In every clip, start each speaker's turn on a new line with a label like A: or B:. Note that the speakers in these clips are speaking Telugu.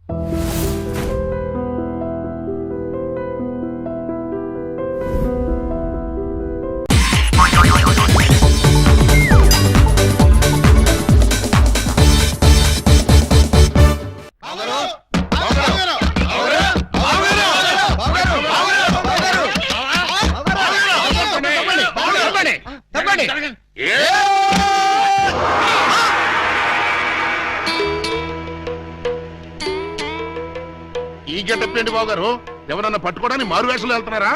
A: ఈ గెటప్ ఏంటి బాబు గారు? ఎవరన్నా పట్టుకోవడానికి మారు వేషాలు వెళ్తున్నారా?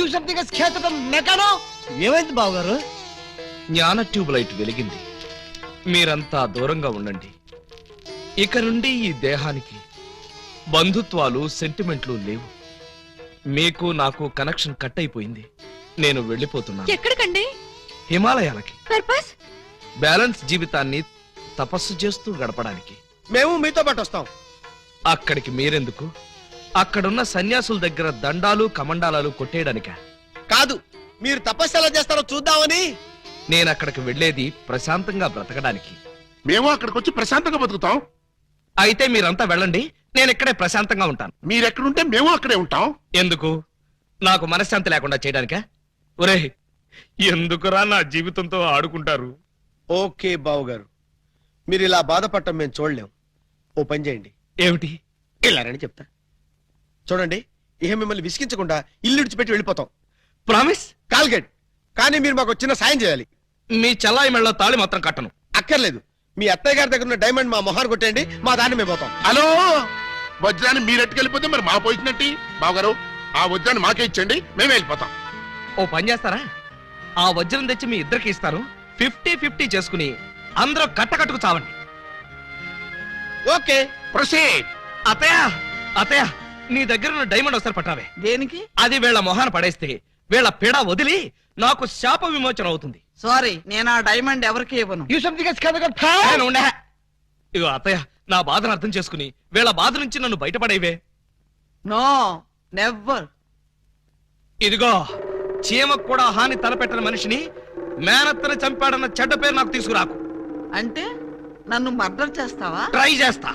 B: ఏమైంది బావగారు?
C: జ్ఞాన ట్యూబ్ లైట్ వెలిగింది. మీరంతా దూరంగా ఉండండి. ఇక నుండి ఈ దేహానికి బంధుత్వాలు సెంటిమెంట్లు లేవు. మీకు నాకు కనెక్షన్ కట్ అయిపోయింది. నేను వెళ్ళిపోతున్నాను.
D: ఎక్కడికండి?
C: హిమాలయాలకి.
D: పర్పస్?
C: బ్యాలెన్స్ జీవితాన్ని తపస్సు చేస్తూ గడపడానికి.
B: మేము మీతో పాటు వస్తాం.
C: అక్కడికి మీరెందుకు? అక్కడున్న సన్యాసుల దగ్గర దండాలు కమండాలు కొట్టేయడానిక?
B: కాదు, మీరు తపస్సు ఎలా చేస్తారో చూద్దామని.
C: నేను అక్కడికి వెళ్లేది ప్రశాంతంగా బ్రతకడానికి.
A: మేము అక్కడికి వచ్చి ప్రశాంతంగా బతుకుతాం.
C: అయితే మీరంతా వెళ్ళండి, నేను ఇక్కడే ప్రశాంతంగా ఉంటాను.
A: మీరెక్కడుంటే మేము అక్కడే ఉంటాం.
C: ఎందుకు? నాకు మనశ్శాంతి లేకుండా చేయడానికా? ఒరే, ఎందుకురా నా జీవితంతో ఆడుకుంటారు?
B: ఓకే బావగారు, మీరు ఇలా బాధపడటం మేము చూడలేం. ఓ పని చేయండి.
C: ఏమిటి?
B: వెళ్ళారని చెప్తా. చూడండి, ఇహ మిమ్మల్ని విసిగించకుండా ఇల్లు విడిచిపెట్టి వెళ్ళిపోతాం.
C: ప్రామిస్?
B: కాల్గెట్. కానీ మీరు మాకు చిన్న సాయం చేయాలి.
C: మీ చెల్లాయి మెళ్ళ తాళి మాత్రం కట్టను.
B: అక్కర్లేదు, మీ అత్తయ్య గారి దగ్గర ఉన్న డైమండ్ మా మొహాన్ని కొట్టేయండి, మా దాన్ని మేము పోతాం.
A: హలో, వజ్రాన్ని మీరెట్టుకెళ్ళిపోతే మరి మా పోయినట్టి. బావగారు, ఆ వజ్రాన్ని మాకే ఇచ్చండి, మేమే వెళ్ళిపోతాం.
C: ఓ పని చేస్తారా? ఆ వజ్రం తెచ్చి మీ ఇద్దరికి ఇస్తారు. 50-50 చేసుకుని అందరూ కట్టకట్టుకు చావండి.
B: Okay,
A: proceed.
C: అత్తయ్య, అత్తయ్య, నీ దగ్గర ఉన్న డైమండ్ ఒకసారి పట్టావే.
E: దేనికి?
C: అది వీళ్ళ మొహాన పడేస్తే వీళ్ళ పిడ వదిలి నాకు శాప విమోచన అవుతుంది.
E: సారీ, నేను ఆ డైమండ్ ఎవరికి ఇవ్వను.
C: నేను ఉండే. ఇగో అత్తయ్య, నా బాధను అర్థం చేసుకుని వీళ్ళ బాధ నుంచి నన్ను బయటపడేవే.
E: No, never.
C: ఇదిగో, చీమకు కూడా హాని తలపెట్టని మనిషిని మేనత్తను చంపాడన్న చెడ్డ పేరు నాకు తీసుకురాకు.
E: అంటే నన్ను మర్డర్ చేస్తావా?
C: ట్రై చేస్తా.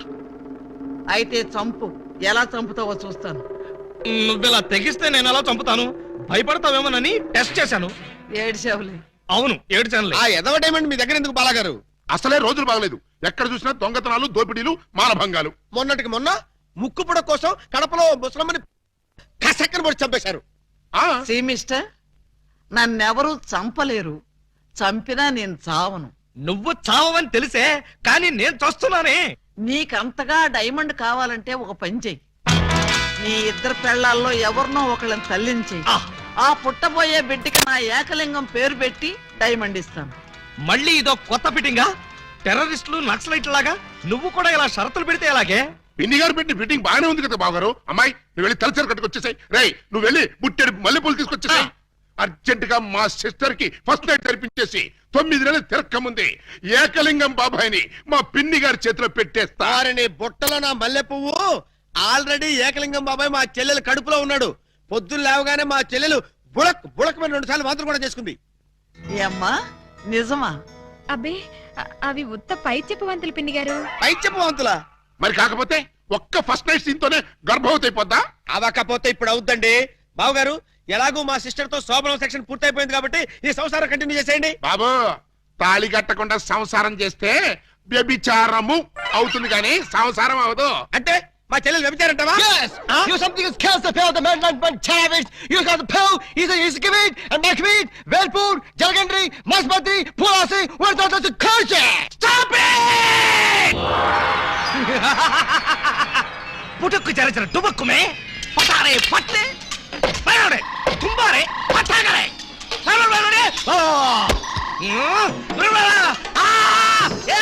E: అయితే చంపు. ఎలా చంపుతావో చూస్తాను.
C: నువ్విలా తెగిస్తే నేను ఎలా చంపుతాను? భయపడతావేమోనని టెస్ట్ చేశాను.
E: ఏడ్చేవులే.
C: అవును, ఏడ్చానులే.
B: ఆ ఎదవ డైమండ్ మీ దగ్గర ఎందుకు బాలాగారు?
A: అసలే రోజులు బాగలేదు. ఎక్కడ చూసినా దొంగతనాలు, దోపిడీలు, మానభంగాలు.
B: మొన్నటికి మొన్న ముక్కు పుడ కోసం కడపలో ముసలమ్మని కసక్కన పొడి చంపేశారు.
E: సీ మిస్టర్, నన్నెవరూ చంపలేరు. చంపినా నేను చావను.
C: నువ్వు చావని తెలిసే, కానీ నేను చూస్తున్నానే.
E: నీకంతగా డైమండ్ కావాలంటే ఒక పని చెయ్యి. నీ ఇద్దరు పెళ్లాల్లో ఎవరినో ఒకళ్ళని తల్లించి ఆ పుట్టబోయే బిడ్డకి నా ఏకలింగం పేరు పెట్టి డైమండ్ ఇస్తాను.
C: మళ్ళీ ఇదో కొత్త ఫిట్టింగా? టెర్రరిస్టులు, నక్సలైట్ లాగా నువ్వు కూడా ఇలా షరతులు పెడితే ఎలాగే?
A: పిన్ని గారు పెట్టిన ఫిట్టింగ్ బాగానే ఉంది కదా బావగారు. అమ్మాయి, నువ్వు వెళ్ళి తలచరు కట్టుకొచ్చేసాయి. రేయ్, నువ్వు వెళ్ళి బుట్టెడు మల్లెపూలు తీసుకొచ్చేసాయి. అర్జెంట్ గా మా సిస్టర్ కి ఫస్ట్ నైట్ తెరిపించేసి 9 నెలలు తిరక్క ముందే ఏకలింగం బాబాయిని మా పిన్ని గారి చేతిలో పెట్టేస్తా.
B: వారిని బుట్టలో నా మల్లె పువ్వు. ఆల్రెడీ ఏకలింగం బాబాయ్ మా చెల్లెలు కడుపులో ఉన్నాడు. పొద్దున్న లేవగానే మా చెల్లెలు బుడక్ బుడక్ మీద 2 సార్లు మాత్రం కూడా చేసుకుంది.
E: ఏమ్మా, నిజమా?
D: అబ్బే, అవి ఉత్త పై చెప్పవంతులు పిన్ని గారు.
B: పై చెప్పవంతులా?
A: మరి కాకపోతే ఒక్క ఫస్ట్ నైట్ సీన్ తోనే గర్భవతి అయిపోద్దా?
B: అవకపోతే ఇప్పుడు అవుద్దండి. బావగారు, ఎలాగూ మా సిస్టర్ తో శోభనం సెక్షన్ పూర్తయిపోయింది కాబట్టి ఈ సంసారం కంటిన్యూ చేసేయండి.
A: బాబు, తాళి కట్టకుండా సంసారం చేస్తే వ్యభిచారము అవుతుంది కానీ సంసారం అవదు.
B: అంటే మా చెల్లెలు వ్యభిచారంటావా?
F: Yes! You something is kills the pill, the man like Chavez. You got the pill, he's a Kavit, and Nakavit, Velpur, Jalgandri, Masbati, Pulasi, where's all the culture?
C: Stop it! పుట్టుకు చరచర టుబక్కుమే పటారే పట్టే పయాడే తుంబారే పటాగరే సరవరే ఓ రువరా ఆ యా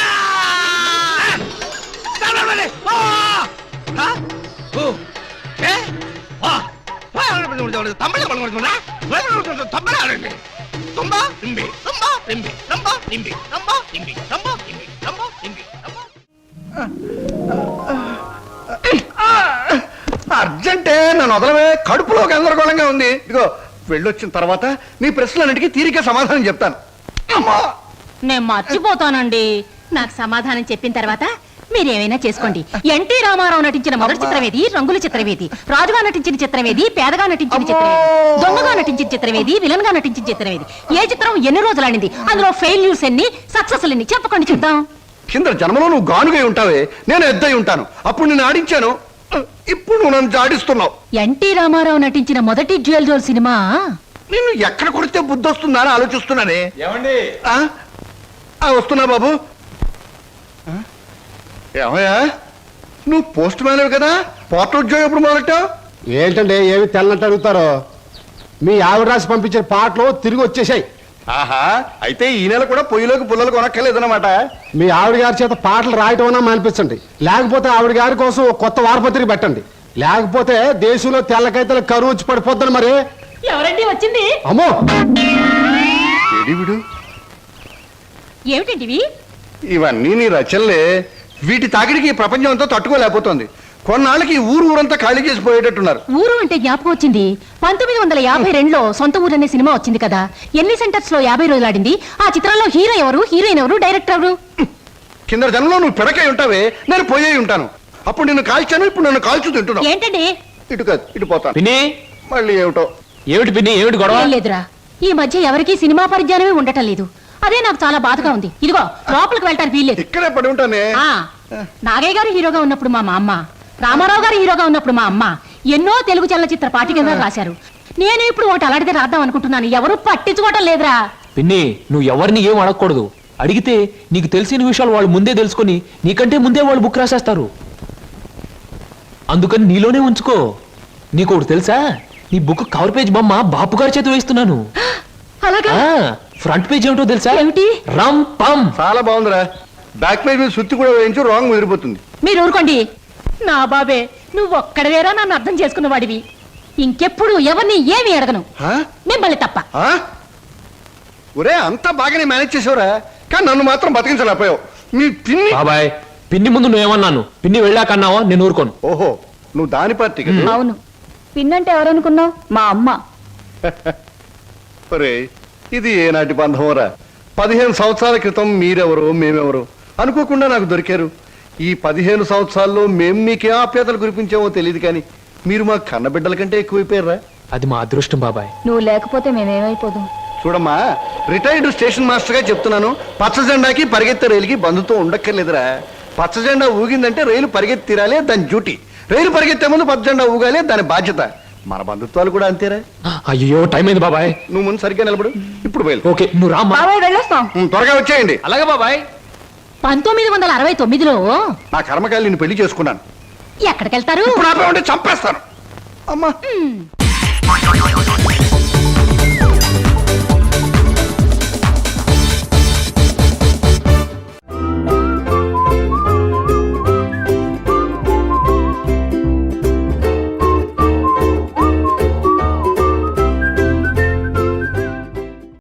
C: సరవరే ఓ హ ఓ ఏ వా తమిళ కొడుకున్నా తమిళ ఆడండి తుంబా నింబి తుంబా నింబి తుంబా నింబి తుంబా నింబి తుంబా నింబి తుంబా నింబి తుంబా.
F: అర్జెంటే నన్ను వదలవే, కడుపులో గందరగోళంగా ఉంది. ఇదిగో వెళ్ళొచ్చిన తర్వాత నీ ప్రశ్నలన్నిటికీ తీరిక సమాధానం చెప్తాను. అమ్మా,
G: నేను మర్చిపోతానండి. నాకు సమాధానం చెప్పిన తర్వాత మీరేమైనా చేసుకోండి. ఎన్టీ రామారావు నటించిన మొదటి చిత్రమేది, రంగుల చిత్రమేది, రాజుగా నటించిన చిత్రమేది, పేదగా నటించిన చిత్రమేది, దొంగగా నటించిన చిత్రమేది, విలన్ గా నటించిన చిత్రమేది, ఏ చిత్రం ఎన్ని రోజులు ఆడింది, అందులో ఫెయిల్యూర్స్ ఎన్ని, సక్సెస్ ఎన్ని చెప్పకండి చూద్దాం.
F: కింద జన్మలో నువ్వు గానుగై ఉంటావే, నేను ఎద్దై ఉంటాను. అప్పుడు నేను ఆడించాను, ఇప్పుడు నువ్వు నన్ను ఆడిస్తున్నావు.
G: ఎన్టీ రామారావు నటించిన మొదటి డ్యూయల్ రోల్ సినిమా
F: నేను ఎక్కడ కొడితే బుద్ధి వస్తుందా అని ఆలోచిస్తున్నానే.
B: ఏమండి
F: వస్తున్నా బాబు. ఏమయ్యా, నువ్వు పోస్ట్ మ్యాన్ కదా, పోర్టల్ ఉద్యోగం ఎప్పుడు మొదలెట్టావు?
H: ఏంటంటే ఏమి తెల్లనట్టు అడుగుతారో. మీ ఆవిడ రాసి పంపించిన పాటలు తిరిగి వచ్చేసాయి.
F: ఆహా, అయితే ఈ నెల కూడా పొయ్యిలోకి పుల్లలు కొనక్కర్లేదన్నమాట.
H: మీ ఆవిడ గారి చేత పాటలు రాయటం అన్నా మానిపించండి, లేకపోతే ఆవిడ గారి కోసం ఒక కొత్త వారపత్రిక పెట్టండి, లేకపోతే దేశంలో తెల్లకైతే కరువు వచ్చి పడిపోద్దని. మరి
G: ఎవరండి వచ్చింది?
H: అమ్మో,
F: విడు
G: ఏమిటండి
F: ఇవన్నీ నీ రచనలే. వీటి తాకిడికి ఈ ప్రపంచం అంతా తట్టుకోలేకపోతుంది. కొన్నాళ్ళకి ఈ ఊరంతా ఖాళీ చేసి పోయేటట్టున్నారు.
G: ఊరు అంటే జ్ఞాపకం వచ్చింది. 1952లో సొంత ఊరు అనే సినిమా వచ్చింది కదా, ఎన్ని సెంటర్స్ లో 50 రోజులు ఆడింది. ఆ చిత్రంలో హీరో ఎవరు, హీరోయిన్ ఎవరు, డైరెక్టర్ ఎవరు?
F: కింద జనంలో నువ్వు పిడకై ఉంటావే, నేను పోయే ఉంటాను. అప్పుడు నిన్ను కాల్చాను, ఇప్పుడు నన్ను కాల్చు తింటున్నావు.
G: ఏంటండి?
F: ఇటు కాదు, ఇటు పోతాను.
C: పిన్ని,
F: మళ్ళీ ఏమిటో.
C: ఏమిటి పిన్ని, ఏమిటి గొడవ?
G: ఏం లేదురా, ఈ మధ్య ఎవరికీ సినిమా పరిజ్ఞానమే ఉండటం లేదు. అదే నాకు చాలా బాధగా ఉంది. ఇదిగో లోపలికి వెళ్ళటానికి వీల్లేదు.
F: ఇక్కడే పడి ఉంటానే.
G: ఆ, నాగయ్య గారు హీరోగా ఉన్నప్పుడు మా అమ్మ, రామారావు గారు హీరోగా ఉన్నప్పుడు మా అమ్మ ఎన్నో తెలుగు చలనచిత్ర పాఠ్యగ్రంథాలు రాశారు. నేను ఇప్పుడు ఒకటి అలాంటిదే రాద్దాం అనుకుంటున్నాను. ఎవరు పట్టించుకోవటం లేదురా.
C: పిన్ని, నువ్వు ఎవరిని ఏం అడగకూడదు. అడిగితే నీకు తెలిసిన విషయాలు వాళ్ళు ముందే తెలుసుకొని నీకంటే ముందే వాళ్ళు బుక్ రాసేస్తారు. అందుకని నీలోనే ఉంచుకో. నీకు ఒకటి తెలుసా, నీ బుక్ కవర్ పేజ్ బొమ్మ బాపు గారి చేత వేస్తున్నాను.
G: అలాగా?
C: ఫ్రంట్ పేజ్ ఏమిటో తెలుసా?
G: ఏమిటి?
C: రమ్ పమ్.
F: చాలా బాగుందిరా. బ్యాక్ పేజ్ మీద సుత్తి కూడా వేయించు, రాంగ్ ముదిరిపోతుంది.
G: మీరు ఊరుకోండి. నా బాబే, నువ్వు ఒక్కడవేరా నన్ను అర్థం చేసుకున్న వాడివి. ఇంకెప్పుడు ఎవరిని ఏమి అడగను,
F: ఆ?
G: మిమ్మల్ని తప్ప.
F: ఆ? ఒరే, అంతా బాగానే మేనేజ్ చేసావురా, కానీ నన్ను మాత్రం బతికించలేకపోయావు. మీ పిన్ని.
C: బాబాయ్, పిన్ని ముందు నువ్వేమన్నాను, పిన్ని వెళ్ళాకన్నావా నేను ఊరుకోను.
F: ఓహో, నువ్వు దాని పార్టీ కదా.
G: అవును, పిన్నంటే ఎవరనుకున్నావు? మా అమ్మ.
F: ఒరే, ఇది ఏనాటి బంధమోరా. 15 సంవత్సరాల క్రితం మీరెవరో మేమెవరో అనుకోకుండా నాకు దొరికారు. ఈ 15 సంవత్సరాల్లో మేము మీకే ఆప్యాతలు కురిపించామో తెలియదు, కానీ మీరు మా కన్నబిడ్డల కంటే ఎక్కువైపోయారా.
C: అది మా అదృష్టం బాబాయ్.
G: నువ్వు లేకపోతే మేమేమైపోదు.
F: చూడమ్మా, రిటైర్డ్ స్టేషన్ మాస్టర్ గా చెప్తున్నాను, పచ్చ జెండాకి పరిగెత్తే రైలుకి బంధుతో ఉండక్కర్లేదురా. పచ్చ జెండా ఊగిందంటే రైలు పరిగెత్తి తీరాలే దాని డ్యూటీ. రైలు పరిగెత్తే ముందు పచ్చ జెండా ఊగాలే దాని బాధ్యత. మన బంధుత్వాలు కూడా అంతేరా.
C: అయ్యో, టైం అయింది బాబాయ్.
F: నువ్వు ముందు సరిగ్గా నిలబడు, ఇప్పుడు బయలు.
C: ఓకే, నువ్వు రామ్మా.
G: వెళ్ళొస్తాం.
F: త్వరగా వచ్చేయండి.
C: అలాగే బాబాయ్.
G: 1969లో
F: నా కర్మకాయలు నిన్ను పెళ్లి చేసుకున్నాను.
G: ఎక్కడికెళ్తారు?
F: ఇప్పుడు ఆపే ఉంటే చంపేస్తాను. అమ్మా